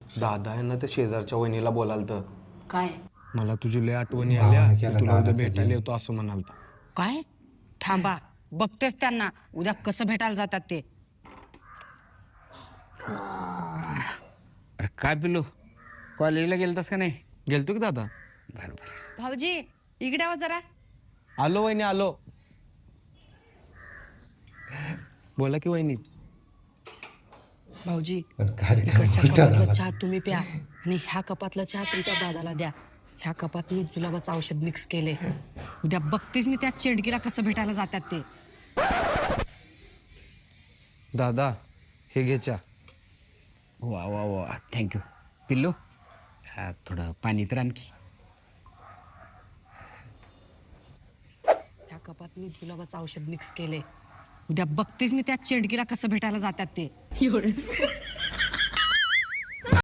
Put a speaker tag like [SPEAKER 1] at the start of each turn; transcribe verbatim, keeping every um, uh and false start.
[SPEAKER 1] दादा यांना त्या शेजारच्या वहिनीला बोलाल तर
[SPEAKER 2] काय
[SPEAKER 1] मला तुझी लय आठवणी आल्या मी तुला उद्या भेटायला येतो असं म्हणालता.
[SPEAKER 2] काय थांबा बघतेच त्यांना उद्या कसं भेटायला जातात ते.
[SPEAKER 3] अरे काय पिलो कॉलेजला गेलतास का नाही?
[SPEAKER 1] गेलतो की दादा.
[SPEAKER 3] बरं बरं.
[SPEAKER 2] भाऊजी इकडे आवा जरा.
[SPEAKER 1] आलो वहिनी आलो. बोला की वहिनी.
[SPEAKER 2] भाऊजी
[SPEAKER 4] कार्यक्रम
[SPEAKER 2] इकडच्या
[SPEAKER 4] उलटा
[SPEAKER 2] कपातला
[SPEAKER 4] झाला.
[SPEAKER 2] चहा तुम्ही प्या आणि ह्या कपातला चहा तुमच्या दादाला द्या. ह्या कपात मी जुलाबाचं औषध मिक्स केले. उद्या बघतेच मी त्या चेडकीला कसं भेटायला जातात ते.
[SPEAKER 1] दादा हे घे चहा.
[SPEAKER 3] वा वा वा थँक्यू पिल्लो. हा, थोडं पाणी तर आणखी.
[SPEAKER 2] ह्या कपात मी जुलाबाचं औषध मिक्स केले. उद्या बघतेच मी त्या चेडकीला कसं भेटायला जातात ते.